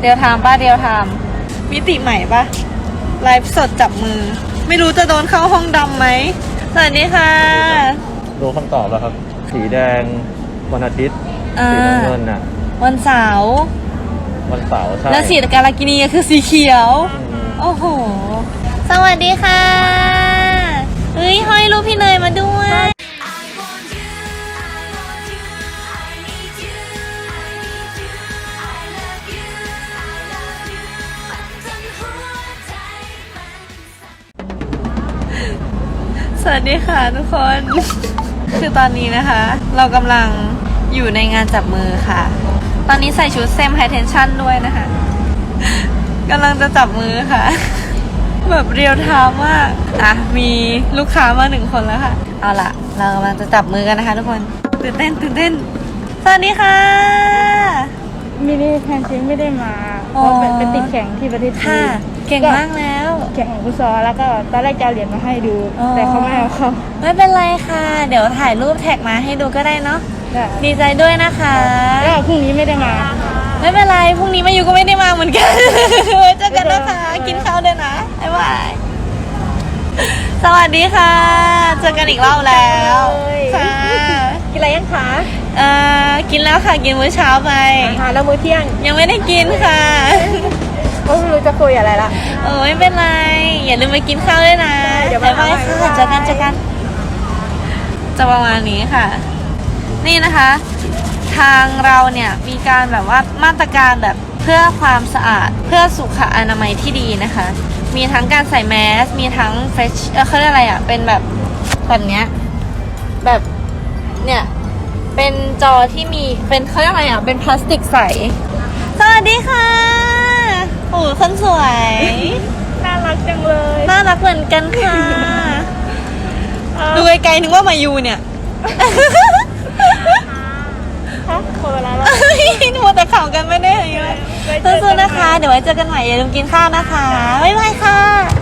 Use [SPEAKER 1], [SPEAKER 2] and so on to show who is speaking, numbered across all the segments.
[SPEAKER 1] เดียวทำป่ะเดียวทำมิติใหม่ป่ะไลฟ์สดจับมือไม่รู้จะโดนเข้าห้องดำไหมสวัสดีค่ะ
[SPEAKER 2] รู้คำตอบแล้วครับ สีแดงวันอาทิตย์สีน้ำเงินน่ะ
[SPEAKER 1] วันเสาร์
[SPEAKER 2] ใช่
[SPEAKER 1] แล้วสีกาลากินีคือสีเขียวโอ้โหสวัสดีค่ะเฮ้ยห้อยรูปพี่เนยมาด้วยสวัสดีค่ะทุกคน คือตอนนี้นะคะ เรากำลังอยู่ในงานจับมือค่ะตอนนี้ใส่ชุดเซมไฮเทนชั่นด้วยนะคะกำลังจะจับมือค่ะ แบบเรียวไทม์มากอ่ะมีลูกค้ามา1 คนแล้วค่ะเอาล่ะเรากำลังจะจับมือกันนะคะทุกคนตื่นเต้นสวัสดีค่ะ
[SPEAKER 3] มินิแพนชิงไม่ได้มาเพราะเป็นติดแข่งที่ประเทศจีน
[SPEAKER 1] เก่งมากแล้ว
[SPEAKER 3] แข่งของฟุตซอลแล้วก็ตอนแรกจะเอาเหรียญมาให้ดูแต่เขาไม่เอาเขา
[SPEAKER 1] ไม่เป็นไรค่ะเดี๋ยวถ่ายรูปแท็กมาให้ดูก็ได้เนาะดีใจด้วยนะคะ
[SPEAKER 3] แล้วพรุ่งนี้ไม่ได้มา
[SPEAKER 1] ไม่เป็นไรพรุ่งนี้มาอยู่ก็ไม่ได้มาเหมือนกันเจอกันนะคะกินข้าวด้วยนะบ๊ายบายสวัสดีค่ะเจอกันอีกรอบแล้วค่ะ
[SPEAKER 3] กินอะไรยังคะ
[SPEAKER 1] กินแล้วค่ะกินมื้อเช้าไป
[SPEAKER 3] แล้วมื้อเที่ยง
[SPEAKER 1] ยังไม่ได้กินค่ะ
[SPEAKER 3] ก็ไม่รู้จะคุยอะไรละ
[SPEAKER 1] ไม่เป็นไรอย่าลืมไปกินข้าวด้วยนะบ๊ายบายค่ะเจอกันจะประมาณนี้ค่ะนี่นะคะทางเราเนี่ยมีการแบบว่ามาตรการแบบเพื่อความสะอาดเพื่อสุขอนามัยที่ดีนะคะมีทั้งการใส่แมสมีทั้งเฟชเขาเรียกอะไรอ่ะเป็นแบบเนี้ยแบบเนี่ยเป็นจอที่มีเป็นเขาเรียกอะไรอ่ะเป็นพลาสติกใสสวัสดีค่ะโอ้คนสวย
[SPEAKER 3] น่ารักจังเลย
[SPEAKER 1] น่ารักเหมือนกันค่ะดูไกลๆนึกว่ามายูเนี่ย
[SPEAKER 3] คนละแล้ว
[SPEAKER 1] หนูแต่ข่าวกันไม่ได้เลยสู้ๆนะคะเดี๋ยวไว้เจอกันใหม่อย่าลืมกินข้าวนะคะบ๊ายบายค่ะ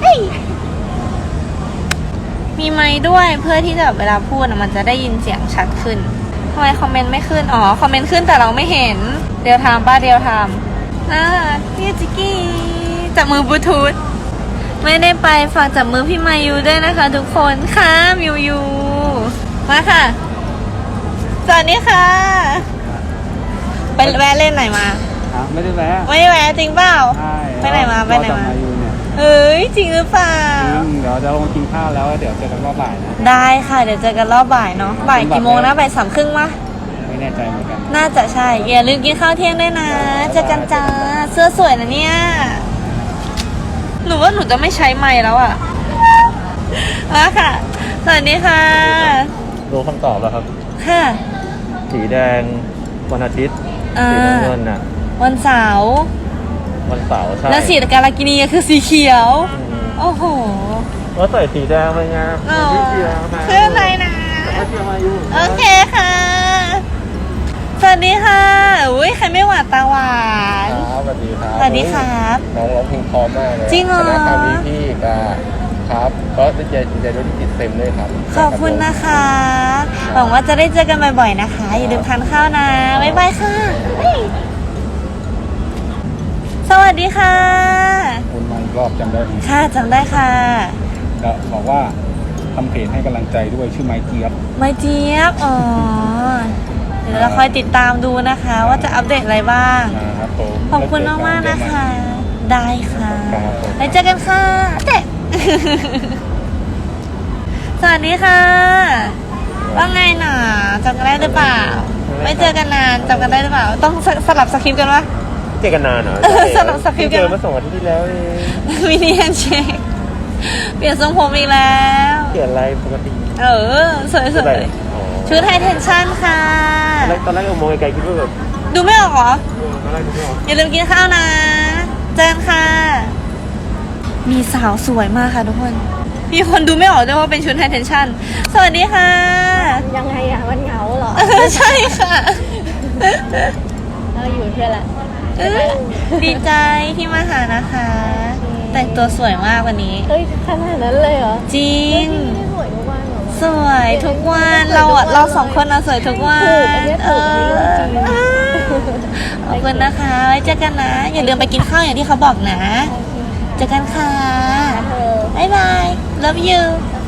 [SPEAKER 1] มีไมค์ด้วยเพื่อที่จะเวลาพูดมันจะได้ยินเสียงชัดขึ้นทำไมคอมเมนต์ไม่ขึ้นคอมเมนต์ขึ้นแต่เราไม่เห็นเดียวทำป่ะเดียวทำพี่จิกกี้จับมือบลูทูธไม่ได้ไปฝากจับมือพี่มายูด้วยนะคะทุกคนค่ะยูมาค่ะสวัสดีค่ะไปแวะเล่นไหนมา
[SPEAKER 2] ไม่ได้แวะ
[SPEAKER 1] จริงเปล่าไปไหนมาเฮ้ยจริงหรือเปล่า
[SPEAKER 2] เดี๋ยวจะลงกินข้าวแล้วเดี๋ยวเจอกันรอบบ่ายนะ
[SPEAKER 1] ได้ค่ะเดี๋ยวเจอกันรอบบ่ายเนาะบ่ายกี่โมงนะบ่าย 3:30มั้ย
[SPEAKER 2] ไม่แน่ใจเหมือนกัน
[SPEAKER 1] น่าจะใช่อย่าลืมกินข้าวเที่ยงด้วยนะเจอกันจ้าเสื้อสวยนะเนี่ยหนูว่าหนูจะไม่ใช้ไมค์แล้วอ่ะมาค่ะสวัสดีค่ะ
[SPEAKER 2] รู้คำตอบแล้วครับ
[SPEAKER 1] ค่ะ
[SPEAKER 2] สีแดงวันอาทิตย์สีน้ำเงินน่ะ
[SPEAKER 1] วันเสาร์
[SPEAKER 2] ใช่
[SPEAKER 1] แล้วสีกาลากินีคือสีเขียวโอ้โห
[SPEAKER 2] แล้วใส่สีแดงไปไง
[SPEAKER 1] พี่เชียร์มาเพื่ออะไรนะโอเคค่ะสวัสดีค่ะอุ้ยใครไม่หวานตาหวาน
[SPEAKER 2] สวัสดีครับ
[SPEAKER 1] สวัสดีครับ
[SPEAKER 2] น้องร้องเพลงพร้อมมากเลย
[SPEAKER 1] จริงเหรอ
[SPEAKER 2] คณะกรรมการพี่ครับก็จะเจอด้วยที่ติดเต็มเลยครับ
[SPEAKER 1] ขอบคุณนะคะหวังว่าจะได้เจอกันบ่อยๆนะคะอย่าลืมทานข้าวนะบ๊ายบายค่ะสวัสดีค่ะ
[SPEAKER 2] คุณมารอบจำได้ไหม
[SPEAKER 1] ค่ะจำได้ค่ะ
[SPEAKER 2] ก็บอกว่าทำเพจให้กำลังใจด้วยชื่อไม้เจี๊ยบ
[SPEAKER 1] เดี๋ยวเราคอยติดตามดูนะคะว่าจะอัปเดตอะไรบ้างขอบคุณมากๆนะคะได้ค่ะไปเจอกันค่ะเจ๊สวัสดีค่ะว่าไงหนาจำกันได้หรือเปล่าไม่เจอกันนานจำกันได้หรือเปล่าต้องสลับสคริปต์กันวะ
[SPEAKER 2] เจอกันนานเหรอ
[SPEAKER 1] สลับสคริปต์กัน
[SPEAKER 2] เจอมา2 อาทิตย์ที่แล้วเอง
[SPEAKER 1] มินิแฮนด์เชคเปลี่ยนทรงผมอีกแล้ว
[SPEAKER 2] เปลี่ยนอะไรปกติ
[SPEAKER 1] สวยๆชุดไฮเทนชั่นค่ะ
[SPEAKER 2] ตอนแรกมองไกลๆคิดว่าแบบ
[SPEAKER 1] ดูไม่ออกเหรออย่าลืมกินข้าวนะเจอกันค่ะมีสาวสวยมากค่ะทุกคนมีคนดูไม่ออกด้วยว่าเป็นชุดไฮเทนชั่นสวัสดีค่ะ
[SPEAKER 3] ยังไงอะมันเหงาเหรอ
[SPEAKER 1] ใช่ค่ะ
[SPEAKER 3] เราอยู่เพื่อละ
[SPEAKER 1] ดีใจที่มาหานะคะแต่งตัวสวยมากวันนี้
[SPEAKER 3] เฮ้ยขนาดนั้นเลยเหรอ
[SPEAKER 1] จริง
[SPEAKER 3] สวยทุกวันเหรอ
[SPEAKER 1] สวยทุกวันเรา2 คนสวยทุกวันขอบคุณนะคะ ไว้เจอกันนะ อย่าลืมไปกินข้าวอย่างที่เขาบอกนะ เจอกันค่ะ บ๊ายบาย love you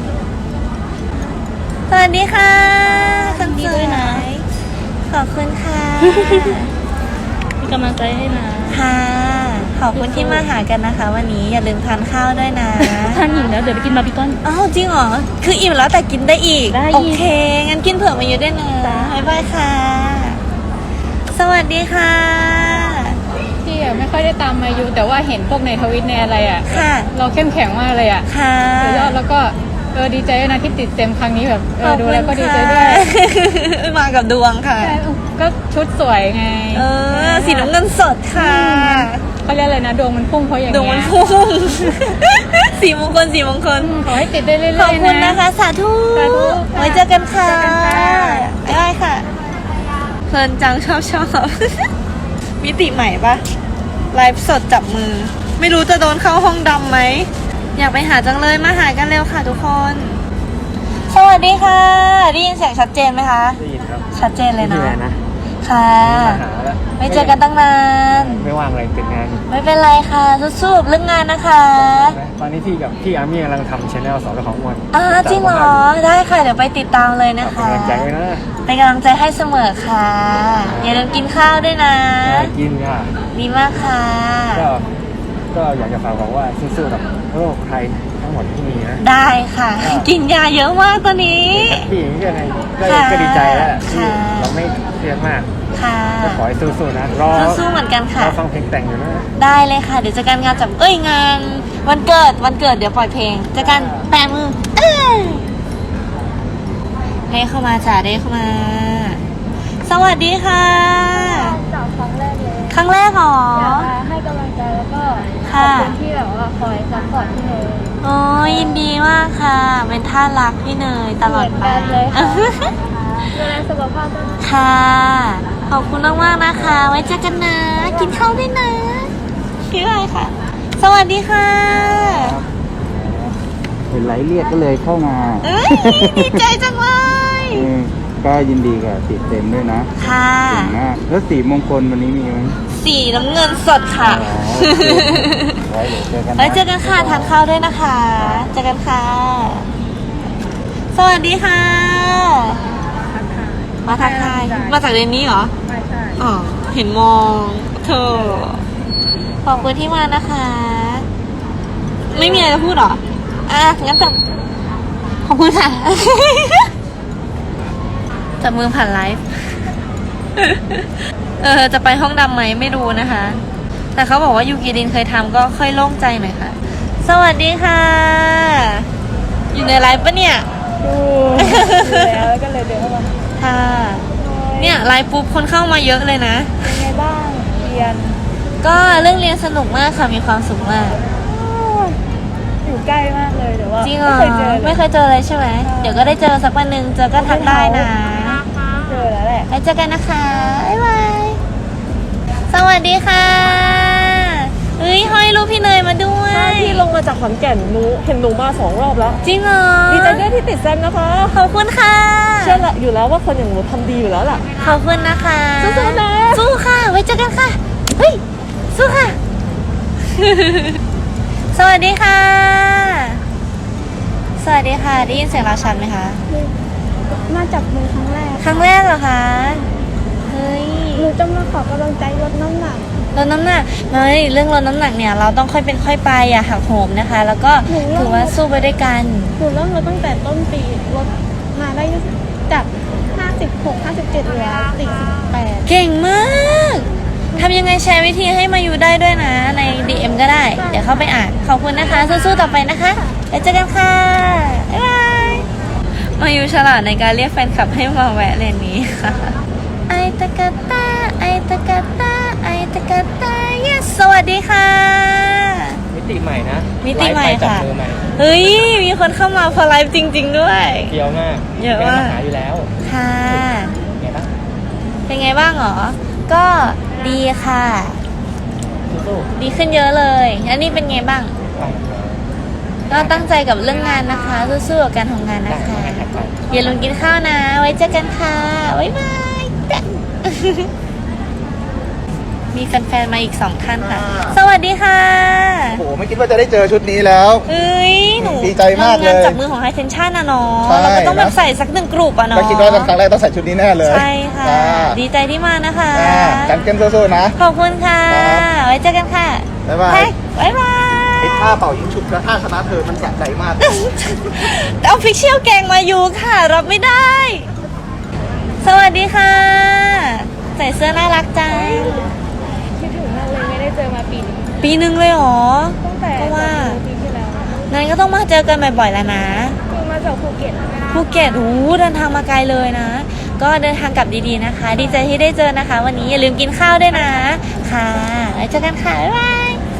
[SPEAKER 1] สวัสดีค่ะคนสวยขอบคุณค่ะ
[SPEAKER 3] มีกำลังใจให้นะ
[SPEAKER 1] ค่ะ ขอบคุณที่มาหากันนะคะ วันนี้อย่าลืมทานข้าวด้วยนะ
[SPEAKER 3] ท่านอิ่มแล้วเดี๋ยวไปกินบาร์บีคอน
[SPEAKER 1] อ้าวจริงเหรอ คืออิ่มแล้วแต่กินได้อีก
[SPEAKER 3] ได้อีก
[SPEAKER 1] โอเค งั้นกินเผื่อมาเยอะด้วยนะ บ๊ายบายค่ะ สวัสดีค่ะ
[SPEAKER 3] พี่อะไม่ค่อยได้ตามมาอยู่แต่ว่าเห็นพวกในทวิตในอะไรอ่ะ
[SPEAKER 1] ค่ะ
[SPEAKER 3] เราเข้มแข็งมากเลยอ่ะ
[SPEAKER 1] ค่ะ
[SPEAKER 3] สุดยอดแล้วก็ดีใจด้วยนะที่ติดเต็มครั้งนี้แบบดูแล้วก็ดีใจด้วย
[SPEAKER 1] มากับดวงค่ะ
[SPEAKER 3] ใช่ก็ชุดสวยไง
[SPEAKER 1] สีน้ำเงินสดค่ะ
[SPEAKER 3] เขาเรียกอะไรนะดวงมันพุ่งเพราะอย่าง
[SPEAKER 1] ดวง
[SPEAKER 3] เงี้
[SPEAKER 1] มัน
[SPEAKER 3] ย
[SPEAKER 1] พุ่ง สีมงคลสีมงคล
[SPEAKER 3] ขอให้ติดได้เรื่อยๆ
[SPEAKER 1] ขอบคุณนะคะ สาธุ
[SPEAKER 3] สาธุ
[SPEAKER 1] ไว้เจอกันค่ะ
[SPEAKER 3] เจอกันค่ะ
[SPEAKER 1] ได้ค่ะเพลินจังชอบ มิติใหม่ปะไลฟ์สดจับมือ ไม่รู้จะโดนเข้าห้องดำไหม อยากไปหาจังเลยมาหากันเร็วค่ะทุกคน สวัสดีค่ะ ได้ยินเสียงชัดเจนไหมคะ
[SPEAKER 2] ได้ยินครับ
[SPEAKER 1] ชัดเจนเลย
[SPEAKER 2] พี่
[SPEAKER 1] เนาะ
[SPEAKER 2] แมนนะ
[SPEAKER 1] ค่ะ
[SPEAKER 2] มาหาแล้ว
[SPEAKER 1] ไม่เจอกันตั้งนาน
[SPEAKER 2] ไม่ว่างอะไรเป็นงาน
[SPEAKER 1] ไม่เป็นไรค่ะสู้ๆเรื่องงานนะคะ
[SPEAKER 2] ตอนนี้พี่กับพี่อาร์มี่กำลังทำชแนลสอนเรื่องของอ้วน
[SPEAKER 1] จริงเหรอ ได้ค่ะ เดี๋ยวไปติดตามเลยนะคะ
[SPEAKER 2] กำลังใจไว้นะ
[SPEAKER 1] เป็นกำลังใจให้เสมอค่ะ อย่าลืมกินข้าวด้วยนะ
[SPEAKER 2] กินค่ะ
[SPEAKER 1] ดีมากค่ะ
[SPEAKER 2] ก็อยากจะฝากบอกว่าสู้ๆกับโรคภัยทั้งหมดที่มีนะ
[SPEAKER 1] ได้ค่ะ กินยาเยอะมากตอนนี้
[SPEAKER 2] แฮปปี้อย่างนี้ยังไง
[SPEAKER 1] ค่ะ
[SPEAKER 2] ก็ดีใจแล้วที่
[SPEAKER 1] ค่ะ
[SPEAKER 2] เราไม่เครียดมาก
[SPEAKER 1] ค่ะ
[SPEAKER 2] ก็ขอให้สู้ๆนะรอ
[SPEAKER 1] สู้ๆเหมือนกันค่ะ
[SPEAKER 2] รอฟังเพลงแต่งอยู่นะ
[SPEAKER 1] ได้เลยค่ะ เดี๋ยวเจอกันงานจับงานวันเกิดเดี๋ยวปล่อยเพลงเจอกันแปะมือเด้เข้ามาจ้าเด้เข้ามา สวัสดีค่ะ
[SPEAKER 3] จากครั้งแรกเลย
[SPEAKER 1] ครั้งแรกเหรอ
[SPEAKER 3] อยากมาให้กำลังใจแล้วก็ข
[SPEAKER 1] ค่ะ
[SPEAKER 3] อบคุณที่แบบว่าคอยซัพพอร์ตพี่เนย
[SPEAKER 1] โอ้ยยินดีมากค่ะ เป็นท่ารักพี่เนยตลอดไป
[SPEAKER 3] เหมือนกันเลยค่ะ ดูแลสุขภาพด้วยนะ
[SPEAKER 1] ค่ะ ขอบคุณมากๆนะคะ ไว้เจอกันนะ กินข้าวด้วยนะพี่ไรค่ะ สวัสดีค่ะ
[SPEAKER 4] เห็นไลฟ์เรียกก็เลยเข้ามา
[SPEAKER 1] เอ้ยดีใจจังเลย
[SPEAKER 4] ก็ยินดีกับติดเต็มด้วยนะ
[SPEAKER 1] ค่ะ
[SPEAKER 4] เก่งมาก แล้วสีมงคลวันนี้มีไหม
[SPEAKER 1] สีน้ำเงินสดค่ะ
[SPEAKER 4] อ๋อโอเคไว้เดี๋ยวเจอกันนะ
[SPEAKER 1] ไว้เจอกันค่ะ ทานข้าวด้วยนะคะ เจอกันค่ะ สวัสดีค่ะ มาทักทาย มาจากเรนนี้เหรอ
[SPEAKER 3] ไม่ใช่
[SPEAKER 1] อ๋อ เห็นมองเธอ ขอบคุณที่มานะคะ ไม่มีอะไรจะพูดเหรอ งั้นจับขอบคุณค่ะ จับมือผ่านไลฟ์ จะไปห้องดำไหมไม่รู้นะคะ แต่เขาบอกว่ายูกิดินเคยทำก็ค่อยโล่งใจหน่อยค่ะ สวัสดีค่ะ อยู่ในไลฟ์ปะเนี่ย
[SPEAKER 3] ดูแล้วก็เลยเดินเข้ามา
[SPEAKER 1] ค่ะ เนี่ยไลฟ์ปุ๊บคนเข้ามาเยอะเลยนะ
[SPEAKER 3] เป็นไงบ้างเรียน
[SPEAKER 1] ก็เรื่องเรียนสนุกมากค่ะ มีความสุขมาก
[SPEAKER 3] อยู่ใกล้มากเลยแต่ว่า
[SPEAKER 1] จริงเหรอ
[SPEAKER 3] ไม่เคยเจอเลย
[SPEAKER 1] ไม่เคยเจอเลยใช่ไหม เดี๋ยวก็ได้เจอสักวันหนึ่งเจอก็ทักได้นะ
[SPEAKER 3] เจอแล้วแหละ
[SPEAKER 1] ไว้เจอกันนะคะ บ๊ายบาย สวัสดีค่ะเฮ้ยห้อยรูปพี่เนยมาด้วย
[SPEAKER 5] พี่ลงมาจากขอนแก่นเห็นหนูมา2 รอบแล้ว
[SPEAKER 1] จริงเหรอ
[SPEAKER 5] ดีใจด้วยที่ติดแซมนะคะ
[SPEAKER 1] ขอบคุณค่ะ
[SPEAKER 5] เชื่อละอยู่แล้วว่าคนอย่างหนูทำดีอยู่แล้วล่ะ
[SPEAKER 1] ขอบคุณนะคะ
[SPEAKER 5] สู้ๆนะ
[SPEAKER 1] สู้ค่ะ ไว้เจอกันค่ะ เฮ้ย สู้ค่ะ สวัสดีค่ะ สวัสดีค่ะ ได้ยินเสียงเราชัดไหมคะ
[SPEAKER 3] มาจับมือครั้งแรก
[SPEAKER 1] ครั้งแรกเหรอคะ เฮ้ย
[SPEAKER 3] หนูจะมาขอกำลังใจลดน้ำหนัก
[SPEAKER 1] ลดน้ำหนักไม่เรื่องลดน้ำหนักเนี่ย เราต้องค่อยเป็นค่อยไปอย่าหักโหมนะคะ แล้วก็ถือว่าสู้ไปด้วยกัน
[SPEAKER 3] หนูเริ่มลดตั้งแต่ต้นปีลดมาได้จาก 56 57เหลือ48
[SPEAKER 1] เก่งมากทำยังไงแชร์วิธีให้มาอยู่ได้ด้วยนะ ใน DM ก็ได้ เดี๋ยวเข้าไปอ่าน ขอบคุณนะคะ สู้ๆต่อไปนะคะแล้วเจอกันค่ะ บ๊ายบาย มาอยู่ฉลาดในการเรียกแฟนคลับให้มาแวะเลนนี้ค่ะ ไอตะกะตาไอตะกะตาไอตะกะตา yes สวัสดีค่ะ
[SPEAKER 2] มิติใหม่นะ
[SPEAKER 1] มิติใหม่
[SPEAKER 2] ไลฟ์ไปจับ
[SPEAKER 1] ค่ะ
[SPEAKER 2] มือใหม่
[SPEAKER 1] เฮ้ย มีคนเข้ามาพอไลฟ์จริง ๆ ด้วย
[SPEAKER 2] เที่ยวมาก
[SPEAKER 1] เยอะมาก
[SPEAKER 2] แกมาหาอยู่แล้ว
[SPEAKER 1] ค่ะ
[SPEAKER 2] ไงบ้าง
[SPEAKER 1] เป็นไงบ้างหรอ ก็ดีค่ะ
[SPEAKER 2] สู้
[SPEAKER 1] ดีขึ้นเยอะเลยแล้วนี่เป็นไงบ้าง
[SPEAKER 2] ๆไป
[SPEAKER 1] ก็ตั้งใจกับเรื่องงานนะคะ สู้ๆกับการทำงาน
[SPEAKER 2] ได้
[SPEAKER 1] นะคะ
[SPEAKER 2] ได้ไป
[SPEAKER 1] อย่าลืมกินข้าวนะ ไว้เจอกันค่ะ บ๊ายบายมีแฟนๆมาอีก2ท่านค่ะ สวัสดีค่ะ
[SPEAKER 6] โอ้โหไม่คิดว่าจะได้เจอชุดนี้แล้ว
[SPEAKER 1] เอ้ยหนู
[SPEAKER 6] ดีใจมากเลย
[SPEAKER 1] ทำงานจับมือของ High Tension นะเนาะ
[SPEAKER 6] ใช่
[SPEAKER 1] เราก็ต้องแบบ
[SPEAKER 6] นะ
[SPEAKER 1] ใส่สัก1 กลุ่มอะเนาะ
[SPEAKER 6] ก็คิดว่าครั้งแรกต้องใส่ชุดนี้แน่เลย
[SPEAKER 1] ใช่ค่ะ
[SPEAKER 6] จ้า
[SPEAKER 1] ดีใจที่มานะคะ
[SPEAKER 6] จ้ากันเกมสู้ๆนะ
[SPEAKER 1] ขอบคุณค่ะ
[SPEAKER 6] ครับ
[SPEAKER 1] ไว้เจอกันค่ะ
[SPEAKER 6] บ๊ายบาย
[SPEAKER 1] แพ็คบ๊ายบาย
[SPEAKER 6] ไอ้ท่าเป่ายิงฉุบกับท่าชนะเธอมันสะใจมาก
[SPEAKER 1] เอาฟิกเชียลแกงมาอยู่ค่ะ รับไม่ได้ สวัสดีค่ะ ใส่เสื้อน่ารักจัง
[SPEAKER 3] คิดถึงมากเลยไม่ได้เจอมาปีนี้
[SPEAKER 1] ปีหนึ่งเลยเหรอ
[SPEAKER 3] ตั้งแต่
[SPEAKER 1] ก็ว่า
[SPEAKER 3] ปีที่แล้ว
[SPEAKER 1] งั้นก็ต้องมาเจอกันบ่อยๆแล้วนะ
[SPEAKER 3] คือมาจากภูเก็ต
[SPEAKER 1] ภูเก็ตเดินทางมาไกลเลยนะ ก็เดินทางกลับดีๆนะคะ ดีใจที่ได้เจอนะคะ วันนี้อย่าลืมกินข้าวด้วยนะ ค่ะไว้เจอกันค่ะ บ๊ายบาย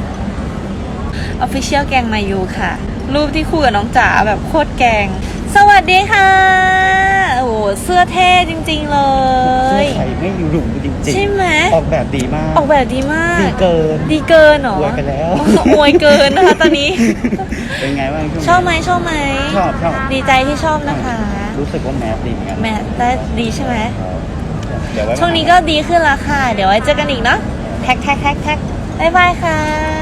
[SPEAKER 1] Official แกงมายูค่ะ รูปที่คู่กับน้องจ๋าแบบโคตรแกง สวัสดีค่ะ โอ้โหเสื้อเท่จริงๆเลย
[SPEAKER 7] ใส่ไม่อยู่หลุมจริง
[SPEAKER 1] ใช่ไหม
[SPEAKER 7] ๆ ออกแบบดีมาก
[SPEAKER 1] ออกแบบดีมาก
[SPEAKER 7] ดีเกิน
[SPEAKER 1] ดีเกินเหรอ
[SPEAKER 7] อวยไปแล้ว
[SPEAKER 1] อวยเกินนะคะตอนนี้
[SPEAKER 7] เป็นไงบ้างช่วงนี้
[SPEAKER 1] ชอบไหมชอบไหม
[SPEAKER 7] ชอบชอบ
[SPEAKER 1] ดีใจที่ชอบนะคะ
[SPEAKER 7] รู้สึกว่าแมสดีเหมือนกัน
[SPEAKER 1] แม่ได้ดีใช่ไหม
[SPEAKER 7] เดี๋ยวไว้
[SPEAKER 1] ช่วงนี้ก็ดีขึ้นแล้วค่ะ เดี๋ยวไว้เจอกันอีกเนาะ แท็กบ๊ายบายค่ะ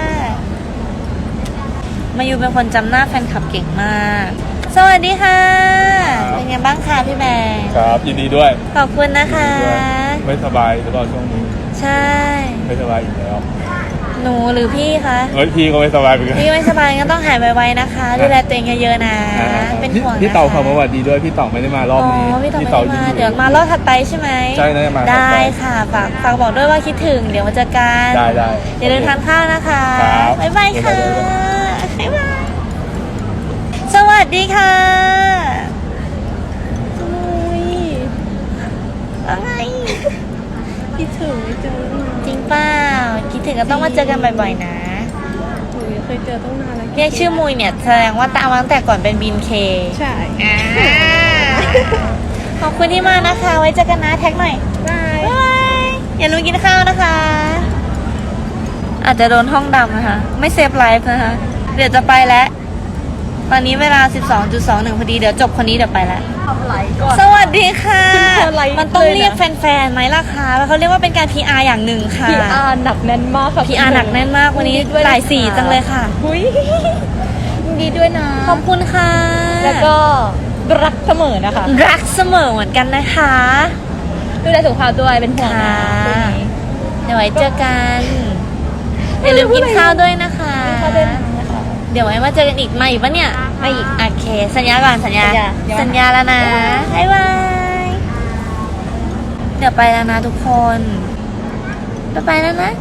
[SPEAKER 1] มายูเป็นคนจำหน้าแฟนคลับเก่งมาก สวัสดีค่ะ เป็นไงบ้างคะพี่แบงค์
[SPEAKER 2] ครับยินดีด้วย
[SPEAKER 1] ขอบคุณนะคะ
[SPEAKER 2] ไม่สบายหรือเปล่าช่วงนี้
[SPEAKER 1] ใช่
[SPEAKER 2] ไม่สบายอีกแล้ว
[SPEAKER 1] หนูหรือพี่คะ
[SPEAKER 2] เฮ้ยพี่ก็ไม่สบายเหมือนกัน
[SPEAKER 1] พี่ไม่สบายก็ต้องหายไวๆนะคะ ดูแลตัวเองเยอะๆนะ เป็นห่วงนะคะ
[SPEAKER 2] พี่เต่าเขามาสวัสดีด้วยพี่เต่าไม่ได้มารอบนี้
[SPEAKER 1] พี่เต่าไม่ได้มาเดี๋ยวมารอบถัดไปใช่ไหม
[SPEAKER 2] ใช่น่าจะมาถัดไป
[SPEAKER 1] ได้ค่ะฝากบอกด้วยว่าคิดถึง เดี๋ยวมาเจอกัน
[SPEAKER 2] ได้
[SPEAKER 1] อย่าลืมทานข้าวนะคะ
[SPEAKER 2] ครับ
[SPEAKER 1] บ๊ายบายค่ะบ๊ายบายสวัสดีค่ะอุ้ยว่าไง
[SPEAKER 3] คิดถึงไม่เจอตั้งนาน
[SPEAKER 1] จริงเปล่าคิดถึงก็ต้องมาเจอกันบ่อยๆนะ
[SPEAKER 3] หนูเคยเจอตั้งนานแล้ว
[SPEAKER 1] เรียกชื่อมุยเนี่ยแสดงว่าตามมาตั้งแต่ก่อนเป็นบินเค
[SPEAKER 3] ใช่
[SPEAKER 1] ขอบคุณที่มานะคะ ไว้เจอกันนะแท็กหน่อย
[SPEAKER 3] ได้
[SPEAKER 1] บ๊ายบายอย่าลืมกินข้าวนะคะ อาจจะโดนห้องดำนะคะ ไม่เซฟไลฟ์นะคะ เดี๋ยวจะไปแล้ว ตอนนี้เวลา 12.21 พอดี เดี๋ยวจบคนนี้เดี๋ยวไปแล้ว
[SPEAKER 5] ทำไรก่อน
[SPEAKER 1] สวัสดีค่ะ
[SPEAKER 5] คุณเธอไลฟ์
[SPEAKER 1] มันต้อง
[SPEAKER 5] เลยนะ
[SPEAKER 1] เรียกแฟนๆไหมล่ะคะเขาเรียกว่าเป็นการ PR อย่างหนึ่งค่ะ
[SPEAKER 5] PR หนักแน่นมากค่ะ
[SPEAKER 1] PR หนักแน่นมากวันนี้
[SPEAKER 5] ยิดีด้วย
[SPEAKER 1] หลายสีจังเลยค่ะ
[SPEAKER 5] หุยยินดีด้วยนะ
[SPEAKER 1] ขอบคุณค่ะ
[SPEAKER 5] แล้วก็รักเสมอนะคะ
[SPEAKER 1] รักเสมอเหมือนกันนะคะ
[SPEAKER 5] ดูแลสุขภาพด้วยเป็นห่วงนะ
[SPEAKER 1] ค่ะ
[SPEAKER 5] ช่วงนี้
[SPEAKER 1] เดี๋ยวไว้เจอกันอย่าลืมกินข้าวด้วยนะคะ
[SPEAKER 5] ข้าวด้วยนะคะ
[SPEAKER 1] เดี๋ยวไว้มาเจอกันอีกมาอีกปะเนี่ยมาอีกโอเค สัญญาก่อนสัญญา
[SPEAKER 5] สัญญา
[SPEAKER 1] แล้วนะบ๊ายบายเดี๋ยวไปแล้วนะทุกคนไปแล้วนะ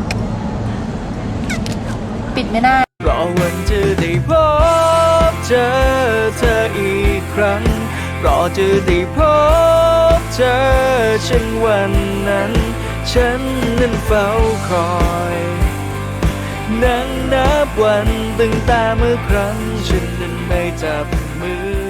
[SPEAKER 1] ปิดไม่ได้
[SPEAKER 8] รอวันจะได้พบเจอเธออีกครั้ง รอจะได้พบเจอฉันวันนั้น ฉันนั้นเฝ้าคอย นั่งนับวันตั้งแต่เมื่อครั้งฉันนั้นได้จับมือ